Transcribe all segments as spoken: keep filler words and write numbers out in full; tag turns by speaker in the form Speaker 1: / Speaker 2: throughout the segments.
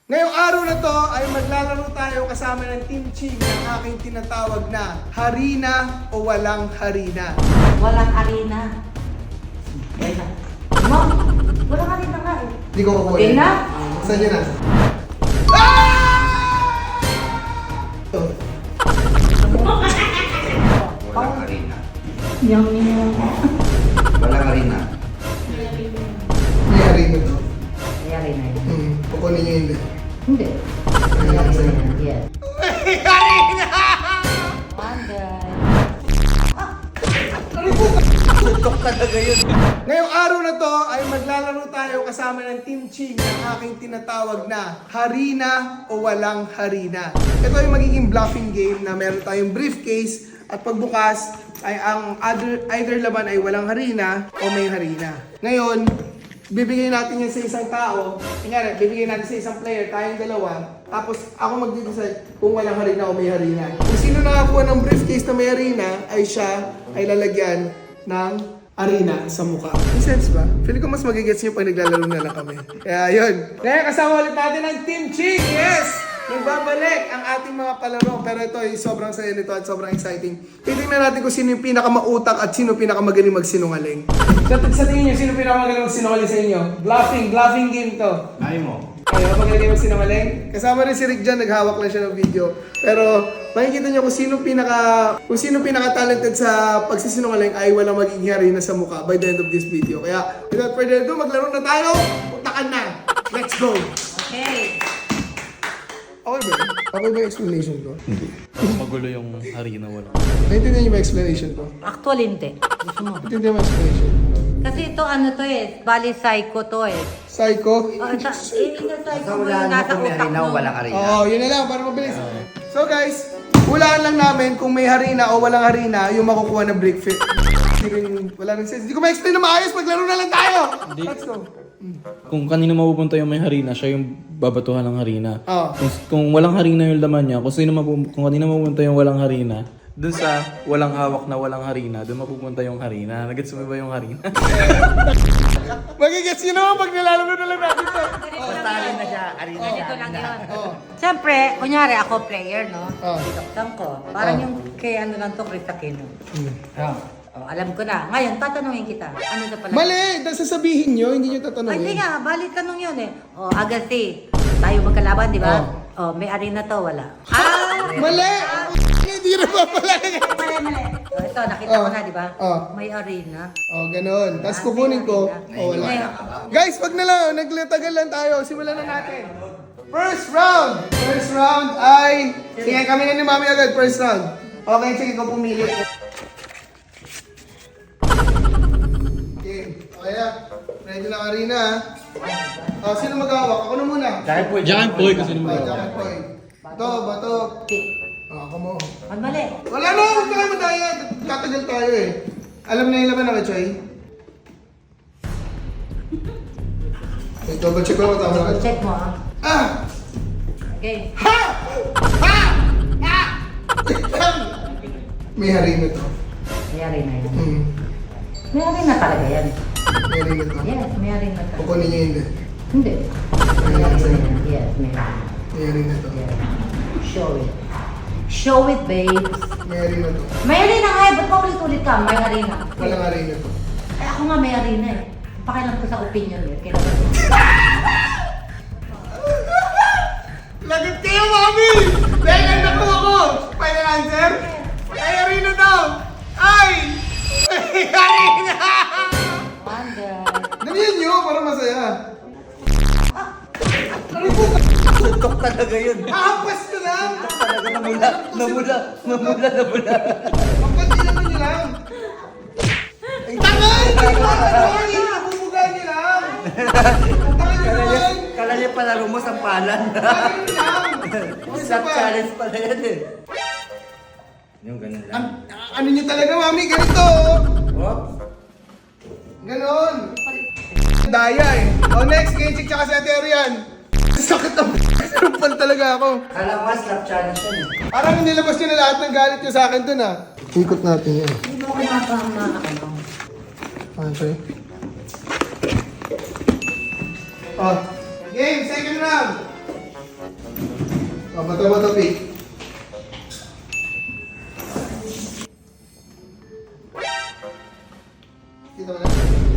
Speaker 1: Ngayong araw na to ay maglalaro tayo kasama ng Team Ching ng aking tinatawag na Harina o Walang Harina.
Speaker 2: Walang arena. Wala. No, walang arena nga eh.
Speaker 1: Hindi ko kukuha.
Speaker 2: Okay na?
Speaker 1: Saan yun na? Ah! Oh.
Speaker 3: Walang arena.
Speaker 2: Yung yung...
Speaker 3: Walang arena.
Speaker 1: May harina to.
Speaker 2: May arena yun.
Speaker 1: Hmm. Kukunin nyo yun.
Speaker 2: Hindi. May arena yun. Yes.
Speaker 1: May harina!
Speaker 2: Wonder.
Speaker 3: Tutok talaga yun.
Speaker 1: Ngayong araw na to ay maglalaro tayo kasama ng Team Ching ng aking tinatawag na Harina o Walang Harina. Ito ay magiging bluffing game na meron tayong briefcase at pagbukas ay ang other, either laban ay walang harina o may harina. Ngayon, bibigyan natin yan sa isang tao. Kunyari, bibigyan natin sa isang player, tayong dalawa. Tapos ako mag-decide kung walang harina o may harina. Kung sino nakakuha ng briefcase na may harina, ay siya ay lalagyan ng arena sa mukha. May sense ba? Feeling ko mas magigets nyo pag naglalaro na lang kami. Kaya yun. Ngayon, kasama ulit natin ang Team Ching. Yes! Nagbabalik ang ating mga palaro. Pero ito ay sobrang saya nito at sobrang exciting. Titingnan natin kung sino yung pinakamautak at sino pinakamagaling magsinungaling. Sa, sa tingin nyo, sino pinakamagaling magsinungaling sa inyo? Bluffing. Bluffing game to.
Speaker 3: Ay mo.
Speaker 1: Ayaw, magaling magsinungaling. Kasama rin si Rick dyan, naghawak lang siya ng video. Pero makikita nyo kung sino pinaka kung sino pinaka-talented sa pagsisinungaling ay walang magiging harina sa mukha by the end of this video. Kaya without further ado, maglaro na tayo. Utakan na. Let's go.
Speaker 2: Okay.
Speaker 1: Okay ba? Okay ba yung explanation ko?
Speaker 4: Hindi. Magulo yung harina wala.
Speaker 1: Naintindihan niyo ba yung explanation ko?
Speaker 2: Actually, hindi. Gusto mo.
Speaker 1: Naintindihan mo yung explanation?
Speaker 2: Kasi ito ano to eh. Bali psycho to eh.
Speaker 1: Psycho?
Speaker 2: Oh, ita, eh, ina psycho
Speaker 3: Basta
Speaker 2: mo
Speaker 3: wala
Speaker 2: yung
Speaker 3: na
Speaker 2: nasa
Speaker 3: kung may
Speaker 2: utak
Speaker 3: arena o
Speaker 2: mo.
Speaker 3: walang arena.
Speaker 1: Oo, yun na lang para mabilis. So guys, hulaan lang namin kung may harina o walang harina yung makukuha na break fit. Hindi rin, wala rin sense. Hindi ko ma-explain na maayos, maglaro na lang tayo! Let's go!
Speaker 4: Kung kanino mapupunta yung may harina, siya yung babatuhan ng harina.
Speaker 1: Oo.
Speaker 4: Kung, kung walang harina yung laman niya, kung sino mapu- kung kanino mapupunta yung walang harina, dun sa walang hawak na walang harina, dun mapupunta yung harina. Nagets mo ba yung harina?
Speaker 1: Magigets yun naman pag nilalaro na lang natin to.
Speaker 3: Basta arena siya. Arena siya.
Speaker 2: Ganito lang yun.
Speaker 1: Oo.
Speaker 2: Siyempre, kunyari ako player, no?
Speaker 1: Oo.
Speaker 2: Itaktan ko. Parang
Speaker 1: Oh.
Speaker 2: yung kay ano lang to, Chris Aquino.
Speaker 1: Hmm.
Speaker 2: Oh, alam ko na. Ngayon, tatanungin kita. Ano na pala?
Speaker 1: Mali! Dahil sasabihin nyo, hindi nyo
Speaker 2: Ay, hindi
Speaker 1: tatanungin.
Speaker 2: nga. Balik tanong yun eh. O, Agassi. Tayo magkalaban, di ba?
Speaker 1: Oh.
Speaker 2: O, may arena to, wala. Ah!
Speaker 1: Mali! Hindi na ba pala?
Speaker 2: Mali, mali. O, ito, nakita ko
Speaker 1: Oh.
Speaker 2: na, di ba?
Speaker 1: Oh.
Speaker 2: May arena.
Speaker 1: Oh, ganun. Tapos kukunin ko. Oh, wala.
Speaker 2: Ngayon,
Speaker 1: Guys, wag na lang. Naglatagal lang tayo. Simulan na natin. First round! First round ay... Sige, kami na ni Mami agad. First round. Okay, sige, ikaw pumili. Okay. Okay ah. Ready na Karina ah. Oh, sino mag-hawak? Ako na muna.
Speaker 3: Dahil po.
Speaker 4: Diyan po, kasi
Speaker 1: Oh, jacket boy. Ito, bato. Oh, ako mo.
Speaker 2: Ang mali.
Speaker 1: Wala na, huwag tayo madaya. Tatagal tayo eh. Alam na yung laman ako, Choy. Okay, double check ko lang tama na.
Speaker 2: Check mo, ah.
Speaker 1: Ah!
Speaker 2: Okay.
Speaker 1: Ha! Ha! Ha! May harina to.
Speaker 2: May arena yan.
Speaker 1: Hmm.
Speaker 2: May arena talaga yan.
Speaker 1: May harina to.
Speaker 2: Yes, may arena talaga.
Speaker 1: Kukunin niyo hindi.
Speaker 2: Hindi. May arena yan. Yes, may arena.
Speaker 1: May harina to.
Speaker 2: Yes. Show it. Show it, babes.
Speaker 1: May harina to.
Speaker 2: May arena nga eh. Ba't pa ulit-ulit ka? May arena.
Speaker 1: Walang harina to.
Speaker 2: Eh, ako nga may arena eh. Pakialam ko sa opinion eh. Kailangan ko.
Speaker 1: Lagot kayo, Mami! Dahil ang nakuha ko! Final answer? May harina daw! Ay! May harina!
Speaker 2: Wonder.
Speaker 1: Damihan nyo para masaya. Ano po?
Speaker 3: Tutok talaga yun.
Speaker 1: Ahampas ko lang!
Speaker 3: Talaga namula. Namula. Namula. Namula.
Speaker 1: Magpatilan nyo lang! Ay, tangay! Hindi ko ano! Inububugan nyo lang! Tangay nyo
Speaker 3: Kala niya,
Speaker 1: naman!
Speaker 3: kala niya palaro mo sa palan.
Speaker 1: Tangay nyo lang! Isa
Speaker 3: Slap
Speaker 1: pa!
Speaker 3: challenge pala yan eh. Yung ganun lang.
Speaker 1: An- ano nyo talaga, Mami? Ganito! oh.
Speaker 3: Oh.
Speaker 1: Ganon! Daya eh. O next, Kenchik tsaka si Ate Arian. Sakit ang sarupan talaga ako.
Speaker 3: Kala ko nga slap challenge yan eh.
Speaker 1: Parang nilabas nyo na lahat ng galit nyo sa akin dun ah. Ikot natin yan.
Speaker 2: Hindi mo kumapama ano.
Speaker 1: Okay. Oh. Game, second round. Oh, bato-bato pick. Kita mo na?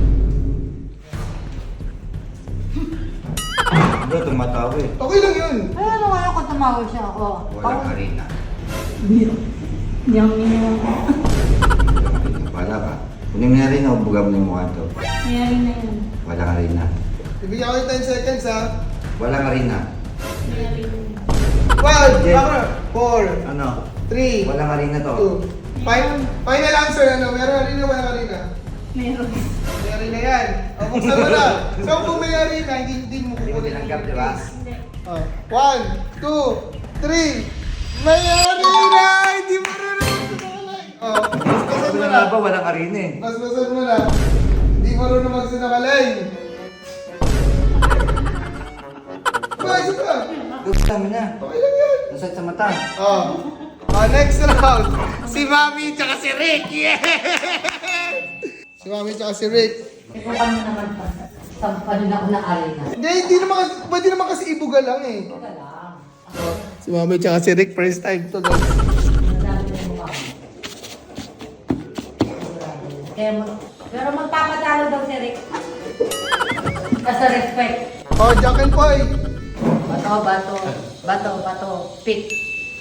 Speaker 3: Bro, tumatawa eh.
Speaker 1: Okay lang yun.
Speaker 2: Ay, ano ngayon kung tumawag siya ako?
Speaker 3: Walang arena.
Speaker 2: Hindi ako minimum.
Speaker 3: Wala ka. Kunin mo na rin o buga mo yung mukha to.
Speaker 2: Mayari na yan.
Speaker 3: Walang arena.
Speaker 1: Ibigyan ko yung ten seconds ha.
Speaker 3: Walang arena.
Speaker 2: Mayari na yan.
Speaker 1: Five,
Speaker 3: Yes.
Speaker 1: okay. Four,
Speaker 3: Ano?
Speaker 1: three,
Speaker 3: Walang arena to.
Speaker 1: two. Final, final answer, ano? Meron arena, wala arena?
Speaker 2: Meron.
Speaker 1: May arena yan. O, buksan mo na. So, kung may arena, hindi, hindi mo
Speaker 3: Hindi mo
Speaker 1: kukunin
Speaker 3: tinanggap,
Speaker 1: yung
Speaker 3: di ba?
Speaker 1: case.
Speaker 2: Hindi.
Speaker 1: Oh. One, two, three. May arena! Hindi marunong magsinungaling. Oh, basbasan
Speaker 3: Sabi
Speaker 1: mo
Speaker 3: na
Speaker 1: na.
Speaker 3: nga ba, walang arena eh.
Speaker 1: Basbasan mo na. Hindi marunong magsinungaling. Ba, isa pa.
Speaker 3: Gusto mo na.
Speaker 1: Okay lang yan.
Speaker 3: Nasad sa mata.
Speaker 1: Oh. Oh, next round. Si Mami tsaka si Rick. Yeah! Si Mami tsaka si Rick.
Speaker 2: Eh, kung paano naman pa? Sampanin ako ng arena.
Speaker 1: Hindi, hindi naman kasi, pwede naman kasi ibuga lang eh.
Speaker 2: Wala lang.
Speaker 1: Oh, si Mami tsaka si Rick, first time to guys.
Speaker 2: Ang dami na yung mukha mo. Kaya mo, pero magpapadalo daw si Rick. Kasi respect.
Speaker 1: Oh, Jack and Poy.
Speaker 2: Bato, bato, bato, bato, pick.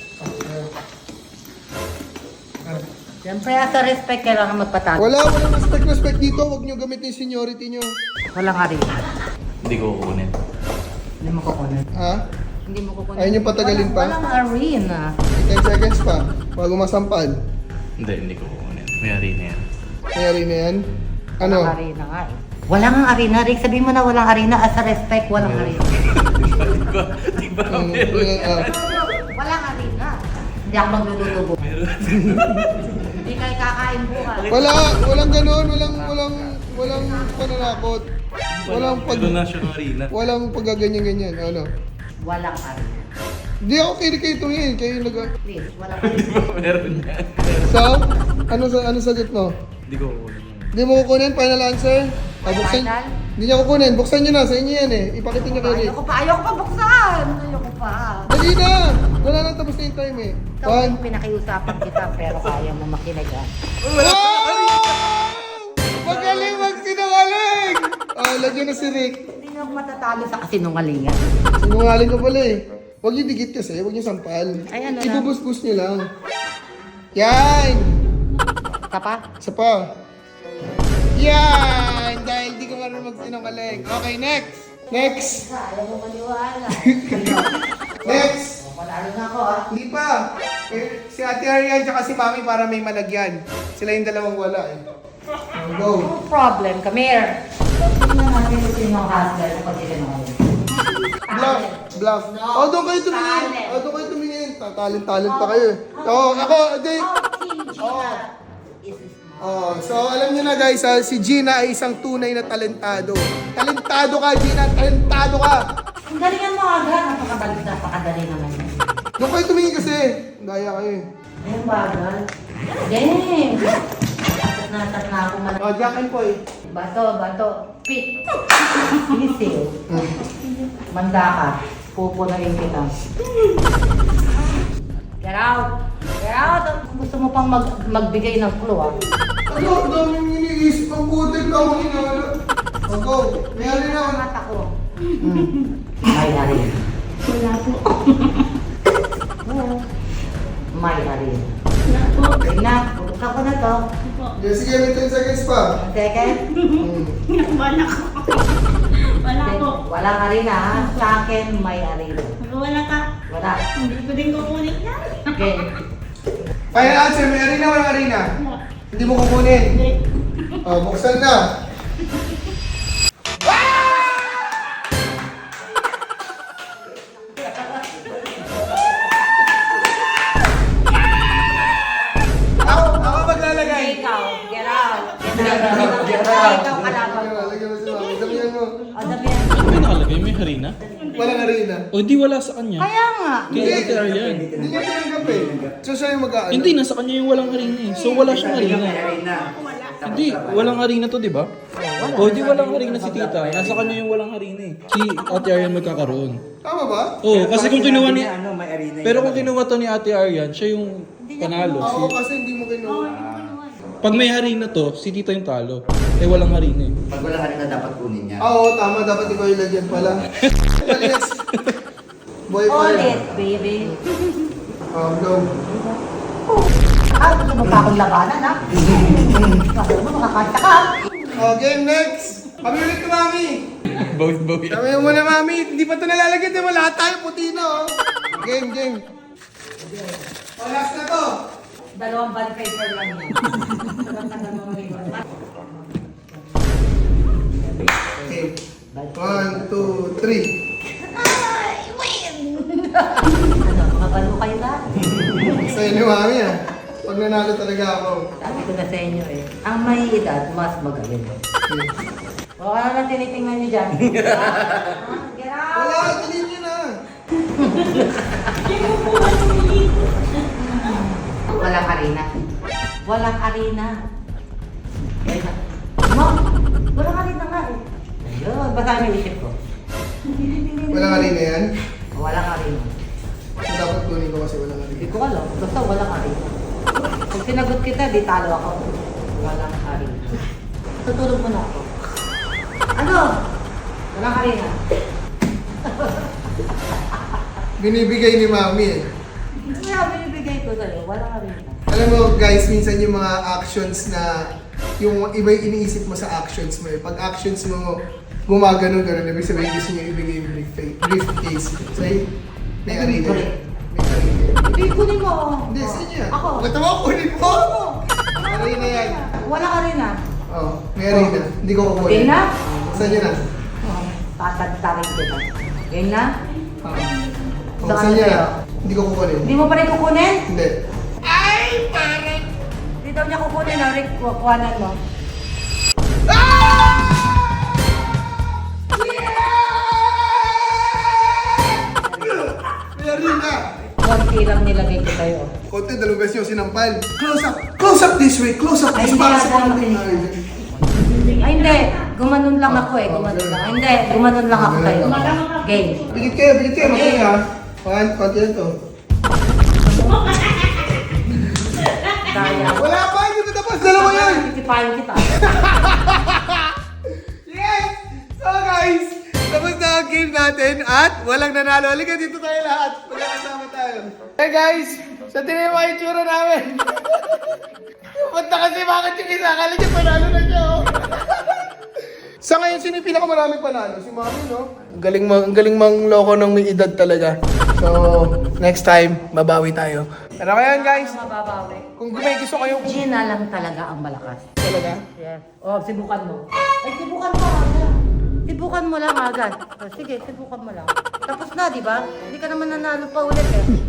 Speaker 2: Siyempre, sa respect, kailangan magpatalo.
Speaker 1: Wala, walang respect respect dito. Huwag nyo gamitin yung seniority nyo.
Speaker 2: Walang arena.
Speaker 4: Hindi ko kukunin.
Speaker 2: Hindi mo kukunin.
Speaker 1: Ha?
Speaker 2: Hindi mo kukunin.
Speaker 1: Ayaw niyo patagalin pa?
Speaker 2: Walang, walang arena.
Speaker 1: ten seconds pa. Bago masampal.
Speaker 4: Hindi, hindi ko kukunin. May arena yan.
Speaker 1: May arena yan. Ano?
Speaker 2: Walang arena nga eh. Walang arena, Rick. Sabihin mo na walang arena. As a respect, walang arena.
Speaker 4: Di ba? Di ba
Speaker 1: Mm,
Speaker 4: meron
Speaker 1: mm, ah.
Speaker 2: Walang arena. Hindi ako maglulutubo. Hindi kayo kakain bukas.
Speaker 1: Wala, walang ganun. Walang, walang, walang pananakot. Walang pag...
Speaker 4: Meron na siya ng arena.
Speaker 1: Walang paggaganyan-ganyan. Ano?
Speaker 2: Walang arena.
Speaker 1: Hindi ako kayo kayo tumingin. Kayo nag...
Speaker 2: Please, walang arena.
Speaker 4: Meron yan.
Speaker 1: So, ano sa ano sagot mo?
Speaker 4: Hindi ko kukunin.
Speaker 1: Hindi mo kukunin? Final answer? Ah, buksan.
Speaker 2: Final?
Speaker 1: Hindi niya kukunin. Buksan niyo na. Sa inyo yan eh. Ipakita niyo kay Rick.
Speaker 2: Ayoko pa, ayoko pa buksan. Ayoko pa.
Speaker 1: Dali na! Wala nang tapos na yung time eh.
Speaker 2: Ikaw
Speaker 1: One.
Speaker 2: yung pinakiusapan kita pero kaya mo makinig ah.
Speaker 1: Wow! Magaling magsinungaling! Oh, lagyan na si Rick.
Speaker 2: Hindi na ako matatalo sa kasinungalingan.
Speaker 1: Sinungaling ka pala eh. Huwag niyo dikit kasi. Huwag niyo sampal.
Speaker 2: Ay, ano na?
Speaker 1: Ibubus-bus niyo lang. Yan!
Speaker 2: Ka pa?
Speaker 1: Isa pa. Yan! Dahil di ka marunong magsinungaling. Okay, next! Next!
Speaker 2: Ayaw mo maniwala.
Speaker 1: Next!
Speaker 2: Panalo na ako ah.
Speaker 1: Hindi pa. Eh, si Ate Arian tsaka si Mami para may malagyan. Sila yung dalawang wala eh. Oh, go.
Speaker 2: No problem, come here. Tingnan natin kung sino ang hustler na pagsisinungaling.
Speaker 1: Bluff. Bluff.
Speaker 2: No.
Speaker 1: Oh, doon kayo tumingin.
Speaker 2: Talent.
Speaker 1: Oh, doon kayo tumingin. Talent-talent pa kayo. eh. Oh, ako, hindi.
Speaker 2: Oh, Team Gina. Is this
Speaker 1: Oh, so alam niyo na guys, ha, si Gina ay isang tunay na talentado. Talentado ka, Gina. Talentado ka.
Speaker 2: Ang galingan mo agad. Napakadali, napakadali naman yan.
Speaker 1: Doon kayo tumingin kasi. Daya kayo eh.
Speaker 2: Ayun bagal. Game! Atat na atat na ako malaki.
Speaker 1: Oh, Jack and Poy.
Speaker 2: Bato, bato. Pick. Sisiw. Manda ka. Pupunayin kita. Get out! Get out! Gusto mo pang mag magbigay ng clue ah.
Speaker 1: Ano, ang daming iniisip. Ang putik ka mo inala. Oh, go. Mayroon na.
Speaker 2: Ang mata ko. May harin.
Speaker 5: Wala po.
Speaker 2: May harin.
Speaker 5: Wala po.
Speaker 2: Sige na, buksan ko na to.
Speaker 5: Po.
Speaker 1: Yeah, sige, may ten seconds pa.
Speaker 2: One second.
Speaker 1: Hmm.
Speaker 5: Wala ko. Wala po.
Speaker 2: Wala ka rin ah. Sa akin, may harin.
Speaker 5: Wala ka.
Speaker 2: Wala.
Speaker 5: Hindi ko din kukunin yan.
Speaker 2: Okay.
Speaker 1: Final answer, may arena o walang arena?
Speaker 5: Wala.
Speaker 1: Hindi mo kukunin.
Speaker 5: Hindi.
Speaker 1: Oh, buksan na. Ako, ako maglalagay.
Speaker 2: Ikaw, get out. Get out. Get out. Ikaw kalaban ko.
Speaker 1: Lagyan mo si Mami. Damihan mo.
Speaker 2: O, sabihan.
Speaker 4: May nakalagay, may harina.
Speaker 1: Walang arena.
Speaker 4: O di wala sa kanya.
Speaker 2: Kaya nga.
Speaker 4: Kay Ate Arian.
Speaker 1: Hindi niya tinanggap eh. So siya yung mag-aano.
Speaker 4: Hindi, nasa kanya yung walang harina eh. So wala siyang harina.
Speaker 3: Arena.
Speaker 5: Wala.
Speaker 4: Hindi, walang harina to, di ba?
Speaker 1: Oh,
Speaker 2: Wala.
Speaker 4: O di walang harina si tita. Nasa kanya yung walang harina eh. Si Ate Arian magkakaroon.
Speaker 1: Tama ba?
Speaker 4: Oo, kasi kung kinuha ni...
Speaker 3: Ano, may arena
Speaker 4: Pero kung kinuha to ni Ate Arian, siya yung panalo.
Speaker 1: Oo,
Speaker 4: Si-
Speaker 1: kasi hindi mo kinuha.
Speaker 4: Pag may harina to, si tita yung talo. Eh walang harina eh.
Speaker 3: Pag wala arena, dapat kunin niya.
Speaker 1: Oo, tama. Dapat ikaw yung lagyan pala. Malinis. Boy pa rin.
Speaker 2: Ulit, baby.
Speaker 1: Oh, go.
Speaker 2: Ah, gusto mo pa akong labanan, ha? Gusto mo, makakanta ka.
Speaker 1: Oh, game next. Kami ulit ko, mami.
Speaker 4: Bawit-bawit.
Speaker 1: Kami mo na, mami. Hindi pa ito nalalagyan. Di ba lahat tayo puti na, oh. Game, game. Oh, last na to.
Speaker 2: Dalawang band paper lang yan. Tagal mo ngayon.
Speaker 1: Okay. One, two, three.
Speaker 2: Ano, makabalo kayo lahat.
Speaker 1: Sa'yo ni mami, ah. Pag nanalo talaga ako.
Speaker 2: Sabi ko na sa inyo eh, ang may edad, mas magaling. O, ano lang tinitingnan niyo dyan? Ah, Get out!
Speaker 1: Wala, tingin niyo na.
Speaker 2: Walang arena. Walang arena. Ayun. Mom, walang arena nga eh. Ayun, basahin mo yung isip ko.
Speaker 1: Walang harina yan.
Speaker 2: Walang arena.
Speaker 1: So, dapat kunin ko kasi walang
Speaker 2: Hindi
Speaker 1: harina.
Speaker 2: ko alam, basta walang arena. Pag sinagot kita, di talo ako. Walang arena. Tutulog mo na ako. Ano? Walang arena.
Speaker 1: Binibigay ni mami, eh.
Speaker 2: Kaya binibigay ko sa'yo, walang arena.
Speaker 1: Alam mo guys, minsan yung mga actions na yung iba yung iniisip mo sa actions mo eh. Pag actions mo gumagano gano'n, ibig sabihin gusto niyo ibigay yung brief- briefcase. So, eh, may arena. May arena.
Speaker 2: Hindi, kunin mo.
Speaker 1: Hindi, sa inyo.
Speaker 2: Ako.
Speaker 1: Ba't mo kunin mo? Arena yan.
Speaker 2: Walang arena.
Speaker 1: Oh, may arena. Hindi ko kukunin.
Speaker 2: Game na?
Speaker 1: Saan yun na?
Speaker 2: Oh, tatantarin kita. Game na?
Speaker 1: Oh,
Speaker 2: Saan
Speaker 1: saan yun
Speaker 2: sa'yo?
Speaker 1: na? Hindi ko kukunin.
Speaker 2: Hindi mo pa rin kukunin?
Speaker 1: Hindi.
Speaker 2: Hindi daw niya kukunin, ah. Rick, kukuhanan mo.
Speaker 1: May arena!
Speaker 2: Konti lang nilagay ko sa'yo.
Speaker 1: Konti, dalawang beses yung sinampal. Close up! Close up this way! Close up this
Speaker 2: Ay,
Speaker 1: para
Speaker 2: hindi,
Speaker 1: sa
Speaker 2: dapat
Speaker 1: konting
Speaker 2: hindi. Ay, hindi. Gumanon lang ako eh. Gumanon lang. Ay, hindi. Gumanon lang ako sa'yo. Game.
Speaker 1: Bigit kayo, bigit kayo, magaling ha. One, konti lang to.
Speaker 2: Kaya.
Speaker 1: Wala pa, hindi pa tapos, dalawa yun!
Speaker 2: Titipahin kita.
Speaker 1: Yes! So guys, tapos na ang game natin at walang nanalo. Halika dito tayo lahat. Magkakasama tayo. Hey guys, sa tingin mo yung tsura namin. Punta kasi bakit yung isa? Akala niya panalo na siya. oh. Sa ngayon, sino yung pinakamaraming panalo? Si Mami, no? Ang galing, mang, ang galing mang loko ng may edad talaga. So, next time, babawi tayo. Pero ngayon guys,
Speaker 2: Mababawi.
Speaker 1: kung may gusto kayo kung
Speaker 2: Gina lang talaga ang malakas.
Speaker 1: talaga,
Speaker 2: Yes. Oh, sibukan mo. Ay, sibukan mo agad. Sibukan mo lang agad. Oh, sige, sibukan mo lang. Tapos na, di ba? Hindi ka naman nanalo pa ulit eh.